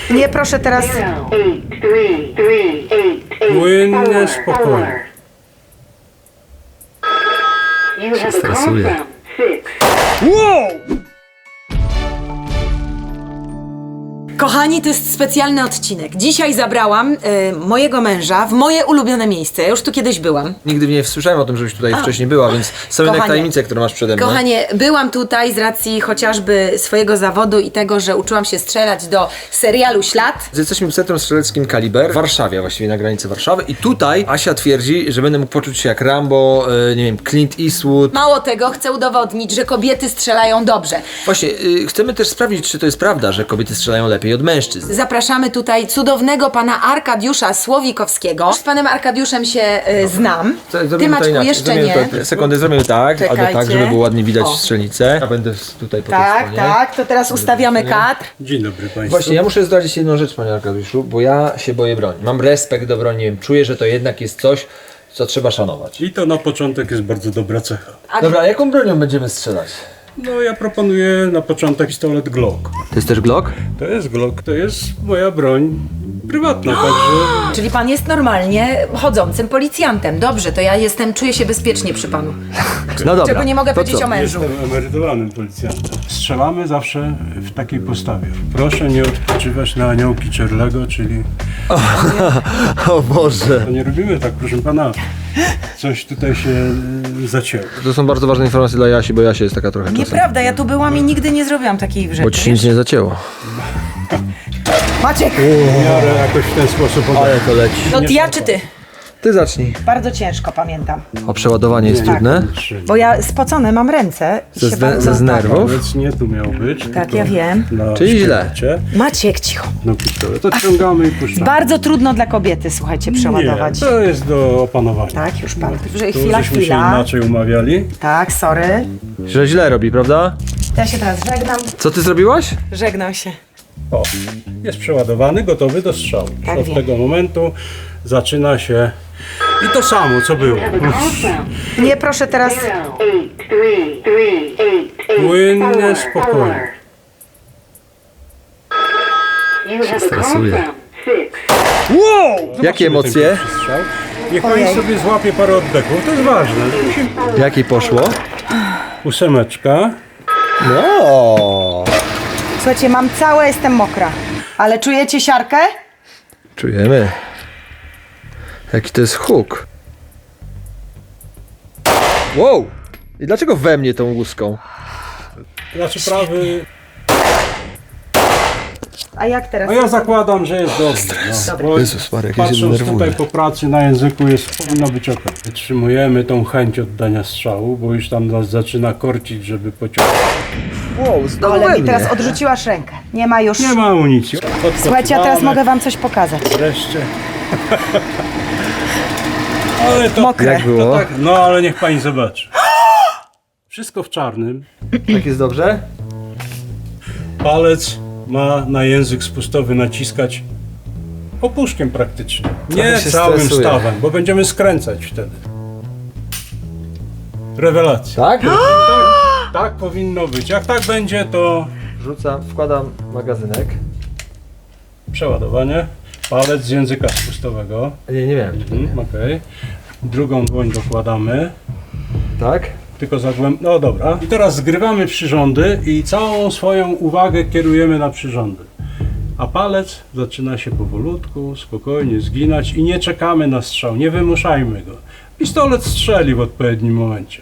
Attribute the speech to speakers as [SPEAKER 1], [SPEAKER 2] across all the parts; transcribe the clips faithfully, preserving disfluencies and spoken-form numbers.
[SPEAKER 1] Nie, proszę teraz.
[SPEAKER 2] Płynnie, spokojnie.
[SPEAKER 3] Się stresuje.
[SPEAKER 2] Wow!
[SPEAKER 1] Kochani, to jest specjalny odcinek. Dzisiaj zabrałam y, mojego męża w moje ulubione miejsce. Ja już tu kiedyś byłam.
[SPEAKER 3] Nigdy nie słyszałem o tym, żebyś tutaj
[SPEAKER 1] A.
[SPEAKER 3] wcześniej była, więc są jednak
[SPEAKER 1] Kochanie.
[SPEAKER 3] tajemnice, które masz przede mną.
[SPEAKER 1] Kochanie, byłam tutaj z racji chociażby swojego zawodu i tego, że uczyłam się strzelać do serialu Ślad.
[SPEAKER 3] Jesteśmy w Centrum Strzeleckim Kaliber w Warszawie, właściwie na granicy Warszawy, i tutaj Asia twierdzi, że będę mógł poczuć się jak Rambo, e, nie wiem, Clint Eastwood.
[SPEAKER 1] Mało tego, chcę udowodnić, że kobiety strzelają dobrze.
[SPEAKER 3] Właśnie, y, chcemy też sprawdzić, czy to jest prawda, że kobiety strzelają lepiej od mężczyzn.
[SPEAKER 1] Zapraszamy tutaj cudownego pana Arkadiusza Słowikowskiego. Z panem Arkadiuszem się y, znam.
[SPEAKER 3] Co,
[SPEAKER 1] Ty,
[SPEAKER 3] zrobimy to
[SPEAKER 1] Maćku,
[SPEAKER 3] inaczej.
[SPEAKER 1] jeszcze
[SPEAKER 3] Zrobimy
[SPEAKER 1] nie.
[SPEAKER 3] To, sekundę, zrobimy tak, albo tak,
[SPEAKER 1] Czekajcie.
[SPEAKER 3] żeby było ładnie widać
[SPEAKER 1] O.
[SPEAKER 3] strzelnicę. Ja będę tutaj po tej
[SPEAKER 1] Tak,
[SPEAKER 3] stronie.
[SPEAKER 1] tak, to teraz ustawiamy kadr.
[SPEAKER 2] Dzień dobry Państwu.
[SPEAKER 3] Właśnie, ja muszę zdradzić jedną rzecz, panie Arkadiuszu, bo ja się boję broni. Mam respekt do broni, nie wiem, czuję, że to jednak jest coś, co trzeba szanować.
[SPEAKER 2] I to na początek jest bardzo dobra cecha.
[SPEAKER 1] A-
[SPEAKER 3] Dobra, a jaką bronią będziemy strzelać?
[SPEAKER 2] No ja proponuję na początek pistolet Glock.
[SPEAKER 3] To jest też Glock?
[SPEAKER 2] To jest Glock, to jest moja broń prywatna, także...
[SPEAKER 1] Czyli pan jest normalnie chodzącym policjantem. Dobrze, to ja jestem, czuję się bezpiecznie przy panu.
[SPEAKER 3] No dobra.
[SPEAKER 1] Czego nie mogę
[SPEAKER 3] to
[SPEAKER 1] powiedzieć
[SPEAKER 3] co?
[SPEAKER 1] o mężu.
[SPEAKER 2] Jestem emerytowanym policjantem. Strzelamy zawsze w takiej postawie. Proszę nie odpoczywać na aniołki Czerlego, czyli...
[SPEAKER 3] O Boże.
[SPEAKER 2] To nie robimy tak, proszę pana. Coś tutaj się y, zacięło.
[SPEAKER 3] To są bardzo ważne informacje dla Jasi, bo Jasia jest taka trochę czasem.
[SPEAKER 1] Nieprawda, ja tu byłam i nigdy nie zrobiłam takiej rzeczy.
[SPEAKER 3] Bo ci się nic nie zacięło.
[SPEAKER 1] Maciek!
[SPEAKER 2] W miarę jakoś w ten sposób...
[SPEAKER 3] Ale to leci.
[SPEAKER 1] No ja czy ty?
[SPEAKER 3] Ty zacznij.
[SPEAKER 1] Bardzo ciężko, pamiętam.
[SPEAKER 3] O, przeładowanie jest
[SPEAKER 2] Nie,
[SPEAKER 3] trudne.
[SPEAKER 1] Bo ja spocone mam ręce. i
[SPEAKER 3] Ze,
[SPEAKER 1] się
[SPEAKER 3] zde-
[SPEAKER 1] bardzo-
[SPEAKER 3] ze nerwów.
[SPEAKER 2] Więc nie tu miał być.
[SPEAKER 1] Tak,
[SPEAKER 2] tylko
[SPEAKER 1] ja wiem.
[SPEAKER 2] Na
[SPEAKER 3] Czyli źle.
[SPEAKER 2] szkielecie.
[SPEAKER 1] Maciek, cicho.
[SPEAKER 2] No pistolet. To ciągamy i puszczamy.
[SPEAKER 1] Bardzo trudno dla kobiety, słuchajcie, przeładować.
[SPEAKER 2] Nie, to jest do opanowania.
[SPEAKER 1] Tak, już pan.
[SPEAKER 2] Tu
[SPEAKER 1] Chwila,
[SPEAKER 2] żeśmy się
[SPEAKER 1] chwila.
[SPEAKER 2] inaczej umawiali.
[SPEAKER 1] Tak, sorry.
[SPEAKER 3] Że źle robi, prawda?
[SPEAKER 1] Ja się teraz żegnam.
[SPEAKER 3] Co ty zrobiłaś?
[SPEAKER 1] Żegnam się.
[SPEAKER 2] O, jest przeładowany, gotowy do strzału.
[SPEAKER 1] Tak
[SPEAKER 2] Od
[SPEAKER 1] wiem.
[SPEAKER 2] tego momentu zaczyna się i to samo, co było.
[SPEAKER 1] Nie, proszę teraz.
[SPEAKER 2] Płynnie, spokojnie.
[SPEAKER 3] Się stresuje.
[SPEAKER 2] Wow!
[SPEAKER 3] Jakie emocje?
[SPEAKER 2] Niech
[SPEAKER 1] Ojej.
[SPEAKER 2] pani sobie złapie parę oddechów, to jest ważne.
[SPEAKER 3] Jakie poszło?
[SPEAKER 2] Ósemeczka.
[SPEAKER 3] No.
[SPEAKER 1] Słuchajcie, mam całe, jestem mokra. Ale czujecie siarkę?
[SPEAKER 3] Czujemy. Jaki to jest huk. Wow! I dlaczego we mnie tą łuską?
[SPEAKER 2] Znaczy prawy.
[SPEAKER 1] A jak teraz?
[SPEAKER 2] A ja zakładam, że jest dobrze. No, bo
[SPEAKER 3] Jezus Maria, jak ja się
[SPEAKER 2] patrząc
[SPEAKER 3] denerwuję.
[SPEAKER 2] tutaj po pracy na języku jest powinno być ok. Wytrzymujemy tą chęć oddania strzału, bo już tam nas zaczyna korcić, żeby pociągnąć.
[SPEAKER 3] Wow, znowu
[SPEAKER 1] Ale
[SPEAKER 3] we
[SPEAKER 1] mi
[SPEAKER 3] mnie.
[SPEAKER 1] teraz odrzuciłaś rękę. Nie ma już.
[SPEAKER 2] Nie ma amunicji.
[SPEAKER 1] Słuchajcie, ja teraz
[SPEAKER 2] Odpoczywamy.
[SPEAKER 1] mogę wam coś pokazać.
[SPEAKER 2] Wreszcie. Ale to...
[SPEAKER 1] Mokre.
[SPEAKER 3] Jak było?
[SPEAKER 2] Tak, no ale niech pani zobaczy. Wszystko w czarnym.
[SPEAKER 3] Tak jest dobrze?
[SPEAKER 2] Palec ma na język spustowy naciskać opuszkiem praktycznie. Nie
[SPEAKER 3] Trochę się
[SPEAKER 2] całym
[SPEAKER 3] stresuję.
[SPEAKER 2] stawem, bo będziemy skręcać wtedy. Rewelacja.
[SPEAKER 3] Tak?
[SPEAKER 2] Tak, tak powinno być. Jak tak będzie, to
[SPEAKER 3] Rzucam, wkładam magazynek.
[SPEAKER 2] przeładowanie. Palec z języka spustowego.
[SPEAKER 3] Nie, nie wiem.
[SPEAKER 2] Mhm, okej. Drugą dłoń dokładamy.
[SPEAKER 3] Tak?
[SPEAKER 2] Tylko zagłęb... No dobra. I teraz zgrywamy przyrządy i całą swoją uwagę kierujemy na przyrządy. A palec zaczyna się powolutku, spokojnie zginać i nie czekamy na strzał, nie wymuszajmy go. Pistolet strzeli w odpowiednim momencie.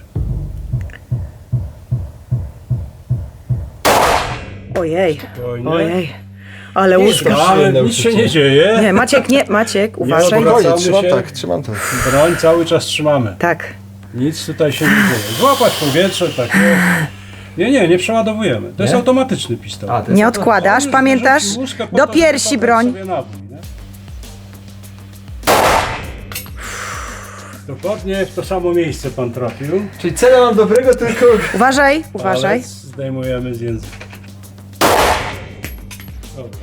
[SPEAKER 1] Ojej,
[SPEAKER 2] Spokojnie.
[SPEAKER 1] ojej. Ale
[SPEAKER 2] Nie
[SPEAKER 1] łóżka.
[SPEAKER 2] szukamy, nic się nie dzieje.
[SPEAKER 1] Nie, Maciek, nie, Maciek, uważaj.
[SPEAKER 2] odwracaj.
[SPEAKER 3] Spokojnie, trzymam
[SPEAKER 2] się.
[SPEAKER 3] tak, trzymam tak.
[SPEAKER 2] Broń cały czas trzymamy.
[SPEAKER 1] Tak.
[SPEAKER 2] Nic tutaj się nie dzieje. Złapać powietrze, tak. Nie, nie, nie, nie przeładowujemy. To jest
[SPEAKER 3] Nie?
[SPEAKER 2] automatyczny pistolet.
[SPEAKER 3] A, to jest
[SPEAKER 1] Nie odkładasz,
[SPEAKER 2] Już
[SPEAKER 1] pamiętasz?
[SPEAKER 2] wrzucił łóżkę po
[SPEAKER 1] Do
[SPEAKER 2] to, żeby
[SPEAKER 1] piersi
[SPEAKER 2] podać
[SPEAKER 1] broń.
[SPEAKER 2] sobie nabój, nie? Dokładnie w to samo miejsce pan trafił.
[SPEAKER 3] Czyli cele mam dobrego, tylko...
[SPEAKER 1] Uważaj, uważaj.
[SPEAKER 2] Palec zdejmujemy z języka. Dobra.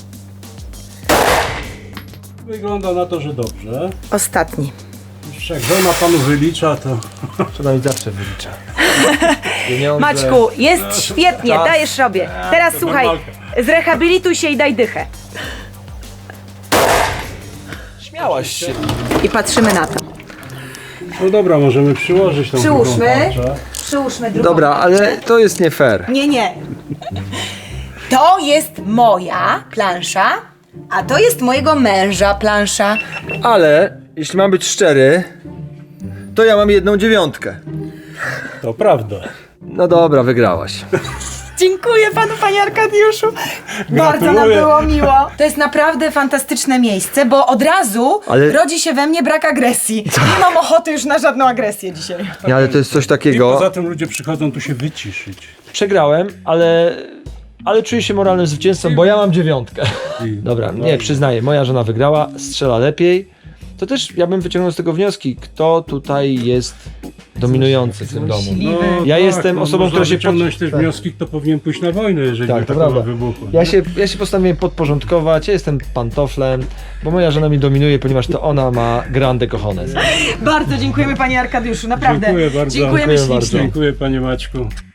[SPEAKER 2] Wygląda na to, że dobrze.
[SPEAKER 1] Ostatni.
[SPEAKER 2] Już jak żona panu wylicza, to...
[SPEAKER 3] Trzeba mi zawsze wylicza. Pieniądze.
[SPEAKER 1] Maćku, jest świetnie,
[SPEAKER 3] Tak.
[SPEAKER 1] dajesz sobie. Teraz
[SPEAKER 2] to
[SPEAKER 1] słuchaj,
[SPEAKER 2] normalka.
[SPEAKER 1] zrehabilituj się i daj dychę.
[SPEAKER 3] Miałaś się.
[SPEAKER 1] I patrzymy na to.
[SPEAKER 2] No dobra, możemy przyłożyć tą drugą
[SPEAKER 1] Przyłóżmy.
[SPEAKER 2] tarczę.
[SPEAKER 1] Przyłóżmy drugą.
[SPEAKER 3] Dobra, ale to jest nie fair.
[SPEAKER 1] Nie, nie. To jest moja plansza, a to jest mojego męża plansza.
[SPEAKER 3] Ale, jeśli mam być szczery, to ja mam jedną dziewiątkę.
[SPEAKER 2] To prawda.
[SPEAKER 3] No dobra, wygrałaś.
[SPEAKER 1] Dziękuję panu, panie Arkadiuszu. Bardzo nam
[SPEAKER 2] Gratuluję.
[SPEAKER 1] było miło. To jest naprawdę fantastyczne miejsce, bo od razu
[SPEAKER 3] Ale-
[SPEAKER 1] rodzi się we mnie brak agresji. Nie mam ochoty już na żadną agresję dzisiaj.
[SPEAKER 3] Nie, ale to jest coś
[SPEAKER 2] I
[SPEAKER 3] takiego.
[SPEAKER 2] poza tym ludzie przychodzą tu się wyciszyć.
[SPEAKER 3] Przegrałem, ale... Ale czuję się moralnym zwycięzcą, bo ja mam dziewiątkę. Dobra,
[SPEAKER 2] No
[SPEAKER 3] nie,
[SPEAKER 2] i-
[SPEAKER 3] przyznaję, moja żona wygrała, strzela lepiej. To też ja bym wyciągnął z tego wnioski, kto tutaj jest dominujący w tym domu.
[SPEAKER 2] No,
[SPEAKER 3] Ja jestem osobą,
[SPEAKER 2] można
[SPEAKER 3] która się pod-
[SPEAKER 2] wyciągnąć też
[SPEAKER 3] tak.
[SPEAKER 2] wnioski, kto powinien pójść na wojnę, jeżeli
[SPEAKER 3] Tak,
[SPEAKER 2] by
[SPEAKER 3] to
[SPEAKER 2] taka
[SPEAKER 3] prawda.
[SPEAKER 2] wybuchła.
[SPEAKER 3] Ja się, ja się postanowiłem podporządkować, ja jestem pantoflem, bo moja żona mi dominuje, ponieważ to ona ma grande cojones.
[SPEAKER 1] Bardzo dziękujemy panie Arkadiuszu, naprawdę.
[SPEAKER 2] Dziękuję bardzo.
[SPEAKER 1] Dziękujemy
[SPEAKER 3] Dziękuję
[SPEAKER 1] ślicznie.
[SPEAKER 3] bardzo.
[SPEAKER 2] Dziękuję panie Maćku.